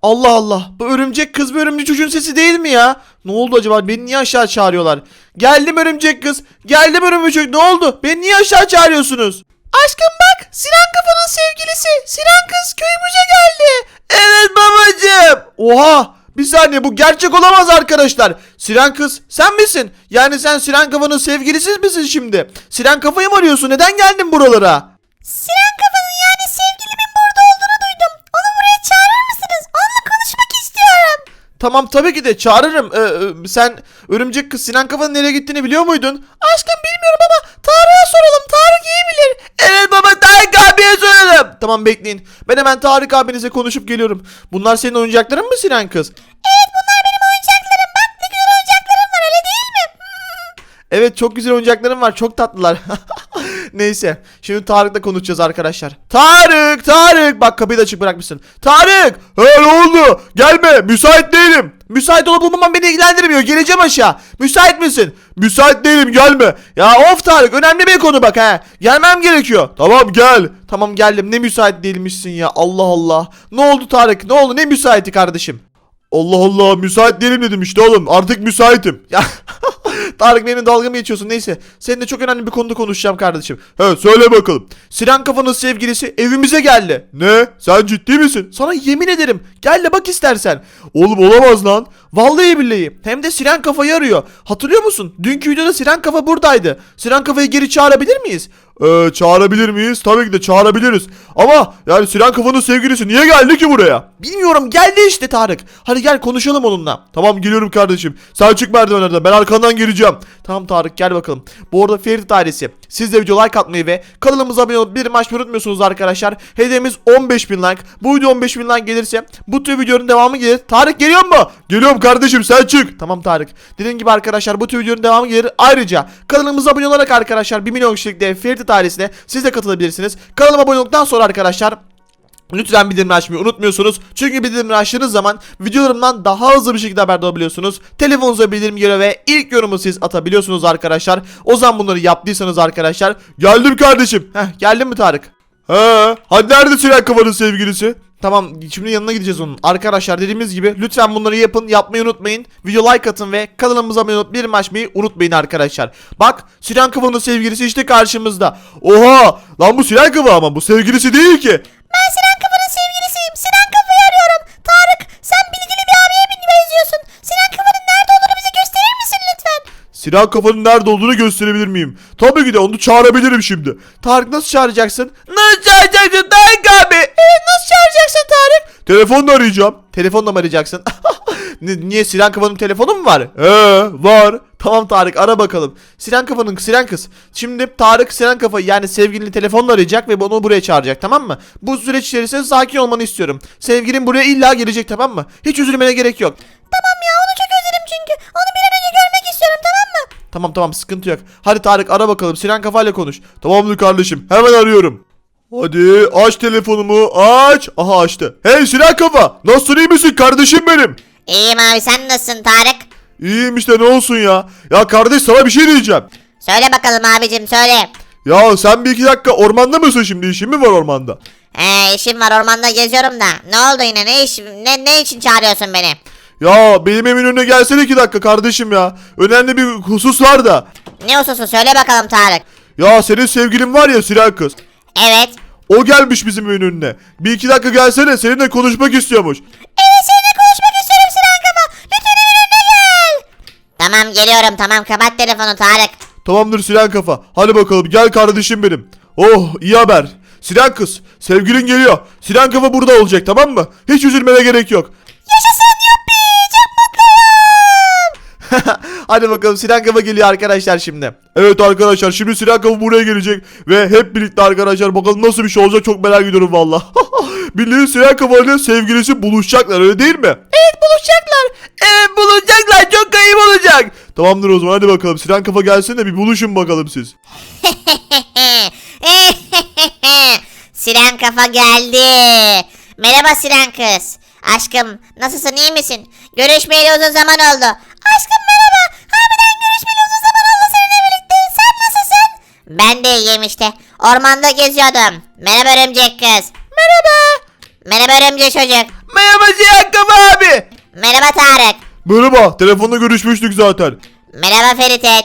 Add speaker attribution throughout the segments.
Speaker 1: Allah Allah. Bu örümcek kız ve örümcek çocuğun sesi değil mi ya? Ne oldu acaba? Beni niye aşağı çağırıyorlar? Geldim örümcek kız. Geldim örümcek çocuk. Ne oldu? Beni niye aşağı çağırıyorsunuz? Aşkım bak. Sinan Kafa'nın sevgilisi. Sinan kız köyümüze geldi. Evet babacığım. Oha. Bir saniye, bu gerçek olamaz arkadaşlar. Sinan kız sen misin? Yani sen Sinan Kafa'nın sevgilisiz misin şimdi? Sinan Kafa'yı mı arıyorsun? Neden geldin buralara?
Speaker 2: Sinan Kafa'nın yani sevgilimin burada olduğunu duydum. Onu buraya çağırır mısınız? Onunla konuşmak istiyorum.
Speaker 1: Tamam, tabii ki de çağırırım. Sen örümcek kız Sinan Kafa'nın nereye gittiğini biliyor muydun? Aşkım bilmiyorum ama Tarık'a soralım. Tarık iyi bilir. Evet baba, Tarık abiye soralım. Tamam bekleyin. Ben hemen Tarık abinize konuşup geliyorum. Bunlar senin oyuncakların mı Sinan kız?
Speaker 2: Evet, bunlar benim oyuncaklarım. Bak ne güzel oyuncaklarım var, öyle değil mi?
Speaker 1: Evet, çok güzel oyuncaklarım var. Çok tatlılar. Neyse. Şimdi Tarık'la konuşacağız arkadaşlar. Tarık. Bak, kapıyı da açık bırakmışsın. Tarık. He, ne oldu? Gelme. Müsait değilim. Müsait olup olmamam beni ilgilendirmiyor. Geleceğim aşağı. Müsait misin? Müsait değilim, gelme. Ya of Tarık, önemli bir konu bak he. Gelmem gerekiyor. Tamam gel. Tamam geldim. Ne müsait değilmişsin ya. Allah Allah. Ne oldu Tarık? Ne oldu? Ne müsaiti kardeşim? Allah Allah, müsait değilim dedim işte oğlum. Artık müsaitim. Ya Tarık, benimle dalga mı geçiyorsun? Neyse. Seninle çok önemli bir konuda konuşacağım kardeşim. He, söyle bakalım. Sinan Kafa'nın sevgilisi evimize geldi. Ne? Sen ciddi misin? Sana yemin ederim. Gel de bak istersen. Oğlum olamaz lan. Vallahi billahi. Hem de Sinan Kafa'yı arıyor. Hatırlıyor musun? Dünkü videoda Sinan Kafa buradaydı. Sinan Kafa'yı geri çağırabilir miyiz? Çağırabilir miyiz? Tabii ki de çağırabiliriz. Ama yani Sinan Kafa'nın sevgilisi niye geldi ki buraya? Bilmiyorum, geldi işte Tarık. Hadi gel konuşalım onunla. Tamam, geliyorum kardeşim. Sen çık merdivenlerden, ben arkandan geleceğim. Tamam Tarık, gel bakalım. Bu arada Ferit ailesi, siz de video like atmayı ve kanalımıza abone olup bir maç unutmuyorsunuz arkadaşlar. Hedefimiz 15.000 like. Bu video 15.000 like gelirse bu tür videonun devamı gelir. Tarık geliyor mu? Geliyorum kardeşim, sen çık. Tamam Tarık. Dediğim gibi arkadaşlar, bu tür videonun devamı gelir. Ayrıca kanalımıza abone olarak arkadaşlar 1 milyon kişilikte Ferit ailesine siz de katılabilirsiniz. Kanalıma abone olduktan sonra arkadaşlar lütfen bildirimleri açmayı unutmuyorsunuz. Çünkü bildirimleri açtığınız zaman videolarımdan daha hızlı bir şekilde haberdar olabiliyorsunuz. Telefonunuza bildirim geliyor ve ilk yorumu siz atabiliyorsunuz arkadaşlar. O zaman bunları yaptıysanız arkadaşlar. Geldim kardeşim. Geldin mi Tarık? Hadi nerede Sinan Kafa'nın sevgilisi? Tamam, şimdi yanına gideceğiz onun. Arkadaşlar dediğimiz gibi lütfen bunları yapın, yapmayı unutmayın. Video like atın ve kanalımıza abone olup bildirim açmayı unutmayın arkadaşlar. Bak, Sinan Kafa'nın sevgilisi işte karşımızda. Oha lan, bu Sinan Kafa ama bu sevgilisi değil ki.
Speaker 2: Ben Sinan Kafa'nın sevgilisiyim. Sinan Kafa'yı arıyorum. Tarık, sen bilgili bir abiye benziyorsun. Sinan Kafa'nın nerede olduğunu bize gösterir misin lütfen?
Speaker 1: Sinan Kafa'nın nerede olduğunu gösterebilir miyim? Tabii ki de, onu çağırabilirim şimdi. Tarık, nasıl çağıracaksın? Nasıl çağıracaksın Tarık abi? Evet, nasıl çağıracaksın Tarık? Telefonla arayacağım. Telefonla mı arayacaksın? Niye, Sinan Kafa'nın telefonu mu var? Var. Tamam Tarık, ara bakalım. Sinan kız. Şimdi Tarık Sinan Kafa'yı yani sevgilini telefonla arayacak ve onu buraya çağıracak, tamam mı? Bu süreç içerisinde sakin olmanı istiyorum. Sevgilin buraya illa gelecek, tamam mı? Hiç üzülmene gerek yok.
Speaker 2: Tamam ya, onu çok özledim çünkü. Onu bir an önce görmek istiyorum, tamam mı?
Speaker 1: Tamam, sıkıntı yok. Hadi Tarık, ara bakalım. Sinan Kafa'yla konuş. Tamamdır kardeşim, hemen arıyorum. Hadi aç telefonumu, aç. Aha, açtı. Hey Sinan Kafa, nasılsın, iyi misin kardeşim benim?
Speaker 2: İyiyim abi, sen nasılsın Tarık?
Speaker 1: İyiyim işte, ne olsun ya. Ya kardeş, sana bir şey diyeceğim.
Speaker 2: Söyle bakalım abicim, söyle.
Speaker 1: Ya sen bir iki dakika ormanda mısın şimdi? İşin mi var ormanda?
Speaker 2: İşim var, ormanda geziyorum da. Ne oldu yine, ne için çağırıyorsun beni?
Speaker 1: Ya benim evimin önüne gelsene 2 dakika kardeşim ya. Önemli bir husus var da.
Speaker 2: Ne hususu, söyle bakalım Tarık.
Speaker 1: Ya senin sevgilin var ya, Sinan kız.
Speaker 2: Evet.
Speaker 1: O gelmiş bizim evin önüne. Bir 2 dakika gelsene, seninle konuşmak istiyormuş.
Speaker 2: Evet, seninle konuşmak istiyorum Sinan Kafa. Lütfen evin önüne gel. Tamam, geliyorum, tamam, kapat telefonu Tarık.
Speaker 1: Tamamdır Sinan Kafa. Hadi bakalım, gel kardeşim benim. Oh, iyi haber. Sinan kız, sevgilin geliyor. Sinan Kafa burada olacak, tamam mı? Hiç üzülmene gerek yok.
Speaker 2: Yaşasın, yuppi, çok mutluyum.
Speaker 1: Hadi bakalım, Sinan Kafa geliyor arkadaşlar şimdi. Evet arkadaşlar, şimdi Sinan Kafa buraya gelecek. Ve hep birlikte arkadaşlar, bakalım nasıl bir şey olacak, çok merak ediyorum valla. Bildiğin Sinan Kafa ile sevgilisi buluşacaklar, öyle değil mi? Evet, buluşacaklar. Evet, buluşacaklar, çok kayıp olacak. Tamamdır o zaman, hadi bakalım Sinan Kafa gelsin de bir buluşun bakalım siz.
Speaker 2: Sinan Kafa geldi. Merhaba Sinan kız. Aşkım, nasılsın, iyi misin? Görüşmeyeli uzun zaman oldu. Aşkım merhaba. Harbiden görüşmeyeli uzun zaman oldu seninle birlikte. Sen nasılsın? Ben de iyiyim işte. Ormanda geziyordum. Merhaba örümcek kız. Merhaba. Merhaba örümcek çocuk.
Speaker 1: Merhaba Sinan Kafa abi.
Speaker 2: Merhaba Tarık.
Speaker 1: Merhaba. Telefonda görüşmüştük zaten.
Speaker 2: Merhaba Feritet.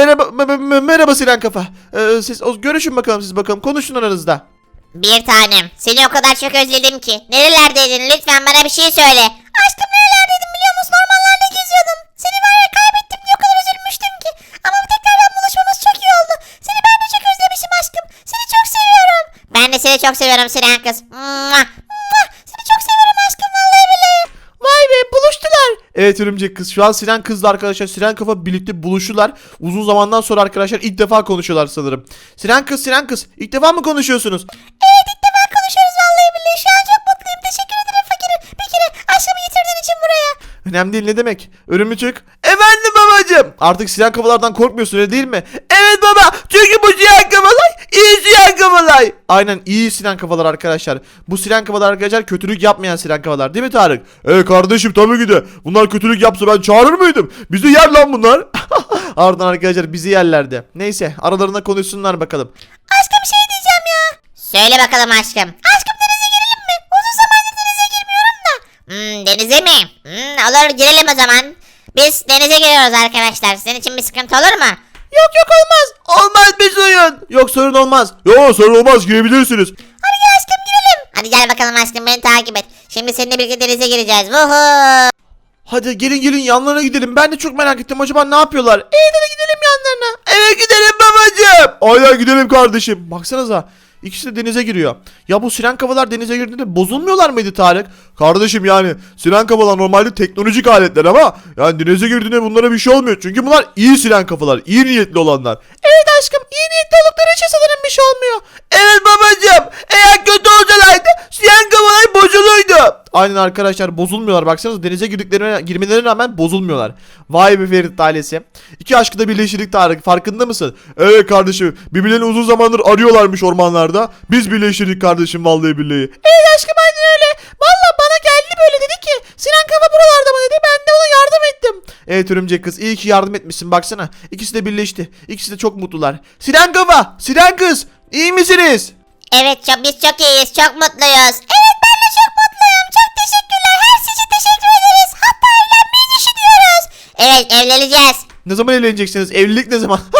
Speaker 1: Merhaba Sinan Kafa. Siz görüşün bakalım siz bakalım. Konuşun aranızda.
Speaker 2: Bir tanem. Seni o kadar çok özledim ki. Nerelerdeydin? Lütfen bana bir şey söyle. Aşkım nerelerdeydin biliyor musun? Ormanlarda geziyordum. Seni var ya kaybettim diye o kadar üzülmüştüm ki. Ama tekrardan buluşmamız çok iyi oldu. Seni ben de çok özlemişim aşkım. Seni çok seviyorum. Ben de seni çok seviyorum Sinan kız. Mua, mua. Seni çok seviyorum aşkım vallahi billahi.
Speaker 1: Vay be buluştular. Evet örümcek kız. Şu an Sinan kızla arkadaşlar Sinan Kafa birlikte buluştular. Uzun zamandan sonra arkadaşlar ilk defa konuşuyorlar sanırım. Sinan kız ilk defa mı konuşuyorsunuz?
Speaker 2: Evet ilk defa konuşuyoruz vallahi billahi. Şu an çok mutluyum. Teşekkür ederim fakirim. Bir kere aşkımı getirdiğin için buraya.
Speaker 1: Önemli değil ne demek? Örümcek. Efendim babacım. Artık Sinan Kafalardan korkmuyorsun öyle değil mi? Evet baba. Çünkü bu Sinan Kafalar iyi Sinan Kafalar. Aynen iyi Sinan Kafalar arkadaşlar. Bu Sinan Kafalar arkadaşlar kötülük yapmayan Sinan Kafalar değil mi Tarık? Kardeşim tabii ki de. Bunlar kötülük yapsa ben çağırır mıydım? Bizi yer lan bunlar. Ardından arkadaşlar bizi yerlerdi. Neyse aralarında konuşsunlar bakalım.
Speaker 2: Aşkım şey diyeceğim ya. Söyle bakalım aşkım. Aşkım denize girelim mi? Uzun zamandır denize girmiyorum da. Denize mi? Olur girelim o zaman. Biz denize giriyoruz arkadaşlar. Senin için bir sıkıntı olur mu?
Speaker 1: Yok olmaz. Olmaz bir sorun. Yok sorun olmaz. Yok sorun olmaz girebilirsiniz.
Speaker 2: Hadi gel aşkım girelim. Hadi gel bakalım aşkım beni takip et. Şimdi seninle birlikte denize gireceğiz. Vuhu.
Speaker 1: Hadi gelin yanlarına gidelim. Ben de çok merak ettim. Acaba ne yapıyorlar? Evet hadi gidelim yanlarına. Evet gidelim babacığım. Aynen gidelim kardeşim. Baksanıza. İkisi de denize giriyor. Ya bu Sinan Kafalar denize girdiğinde bozulmuyorlar mıydı Tarık? Kardeşim yani Sinan Kafalar normalde teknolojik aletler ama yani denize girdiğinde bunlara bir şey olmuyor. Çünkü bunlar iyi Sinan Kafalar. İyi niyetli olanlar. Evet aşkım iyi niyetli oldukları için sanırım bir şey olmuyor. Evet babacığım. Eğer kötü olsalardı Sinan Kafalar bozuluydu. Aynen arkadaşlar bozulmuyorlar. Baksanıza denize girmelerine rağmen bozulmuyorlar. Vay be Ferit ailesi. İki aşkı da birleştirdik Tarık. Farkında mısın? Evet kardeşim. Birbirlerini uzun zamandır arıyorlarmış ormanlarda. Biz birleştirdik kardeşim vallahi billahi. Evet aşkım aynen öyle. Vallahi bana geldi böyle dedi ki Sinan Kafa buralarda mı dedi. Ben de ona yardım ettim. Evet örümcek kız iyi ki yardım etmişsin baksana. İkisi de birleşti. İkisi de çok mutlular. Sinan Kafa, Sinan kız iyi misiniz?
Speaker 2: Evet biz çok iyiyiz. Çok mutluyuz. Evet ben de çok mutluyum. Çok teşekkürler. Her şey için teşekkür ederiz. Hatta evlenmeyi düşünüyoruz. Evet evleneceğiz.
Speaker 1: Ne zaman evleneceksiniz? Evlilik ne zaman?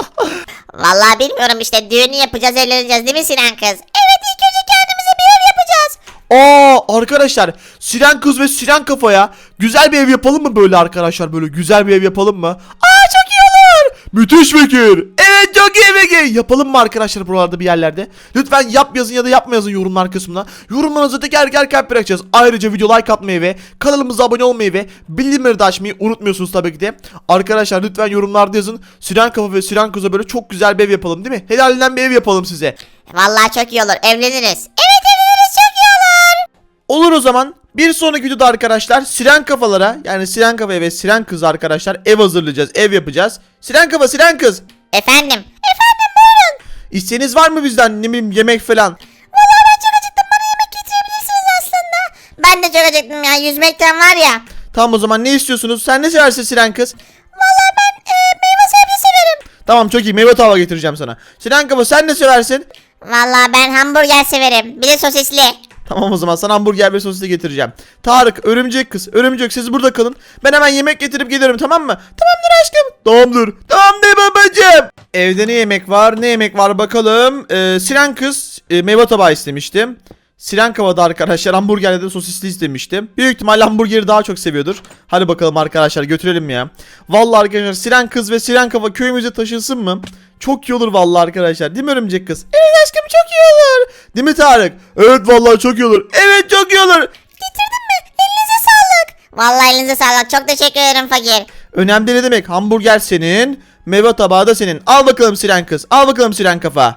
Speaker 2: Vallahi bilmiyorum işte düğünü yapacağız evleneceğiz değil mi Sinan kız? Evet ilk önce kendimize bir ev yapacağız.
Speaker 1: Arkadaşlar Sinan kız ve Sinan Kafa'ya güzel bir ev yapalım mı böyle arkadaşlar böyle güzel bir ev yapalım mı? Çok iyi olur. Müthiş fikir. Evet çok iyi fikir. Yapalım mı arkadaşlar buralarda bir yerlerde? Lütfen yap yazın ya da yapma yazın yorumlar kısmına. Yorumlarınızı teker kalp bırakacağız. Ayrıca video like atmayı ve kanalımıza abone olmayı ve bildirimleri de açmayı unutmuyorsunuz tabii ki de. Arkadaşlar lütfen yorumlarda yazın. Sinan Kafa ve Sinan Kız'a böyle çok güzel bir ev yapalım değil mi? Helalinden bir ev yapalım size.
Speaker 2: Vallahi çok iyi olur evleniriz. Evet evleniriz çok iyi olur.
Speaker 1: Olur o zaman. Bir sonraki videoda arkadaşlar Sinan Kafalara yani Sinan Kafa'ya ve Sinan Kız arkadaşlar ev hazırlayacağız. Ev yapacağız. Sinan Kafa, Sinan Kız.
Speaker 2: Efendim buyurun.
Speaker 1: İsteğiniz var mı bizden ne bileyim yemek falan?
Speaker 2: Vallahi ben çok acıktım bana yemek getirebilirsiniz aslında. Ben de çok acıktım ya yüzmekten var ya.
Speaker 1: Tamam o zaman ne istiyorsunuz? Sen ne seversin Sinan Kız?
Speaker 2: Vallahi ben meyve sebze severim.
Speaker 1: Tamam çok iyi meyve tava getireceğim sana. Sinan Kafa sen ne seversin?
Speaker 2: Vallahi ben hamburger severim. Bir de sosisli.
Speaker 1: Tamam o zaman sana hamburger ve sosisi getireceğim. Tarık, örümcek kız, örümcek siz burada kalın. Ben hemen yemek getirip gelirim tamam mı? Tamamdır aşkım. Tamamdır babacığım. Evde ne yemek var? Ne yemek var bakalım. Sinan kız meyve tabağı istemiştim. Sinan Kava'da arkadaşlar hamburgerle de sosisli istemiştim. Büyük ihtimalle hamburgeri daha çok seviyordur. Hadi bakalım arkadaşlar götürelim ya. Vallahi arkadaşlar Sinan kız ve Sinan Kava köyümüze taşınsın mı? Çok iyi olur vallahi arkadaşlar. Değil mi örümcek kız? Evet aşkım çok iyi olur. Değil mi Tarık? Evet vallahi çok iyi olur. Evet çok iyi olur.
Speaker 2: Getirdin mi? Elinize sağlık. Vallahi elinize sağlık. Çok teşekkür ederim fakir.
Speaker 1: Önemli ne demek? Hamburger senin, meyve tabağı da senin. Al bakalım Sinan kız. Al bakalım Sinan Kafa.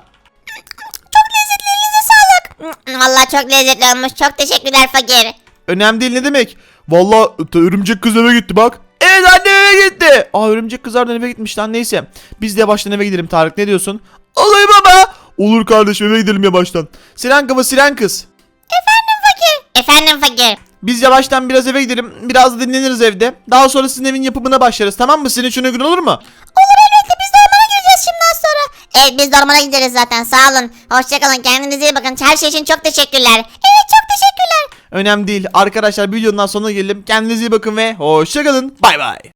Speaker 2: Vallahi çok lezzetli olmuş. Çok teşekkürler fakir.
Speaker 1: Önemli değil ne demek? Vallahi örümcek kız eve gitti bak. Evet annem eve gitti. Örümcek kızlardan eve gitmiş lan neyse. Biz de yavaştan eve gidelim Tarık ne diyorsun? Olur baba. Olur kardeşim eve gidelim yavaştan. Sinan Kafa Sinan kız.
Speaker 2: Efendim fakir.
Speaker 1: Biz yavaştan biraz eve gidelim. Biraz da dinleniriz evde. Daha sonra sizin evin yapımına başlarız tamam mı? Sizin için uygun olur mu?
Speaker 2: Olur elbette biz de ormana gireceğiz şimdiden sonra. Evet biz de ormana gideriz zaten sağ olun. Hoşçakalın kendinize iyi bakın. Her şey için çok teşekkürler. Evet çok teşekkürler.
Speaker 1: Önemli değil. Arkadaşlar videonun sonuna gelelim. Kendinize iyi bakın ve hoşçakalın. Bay bay.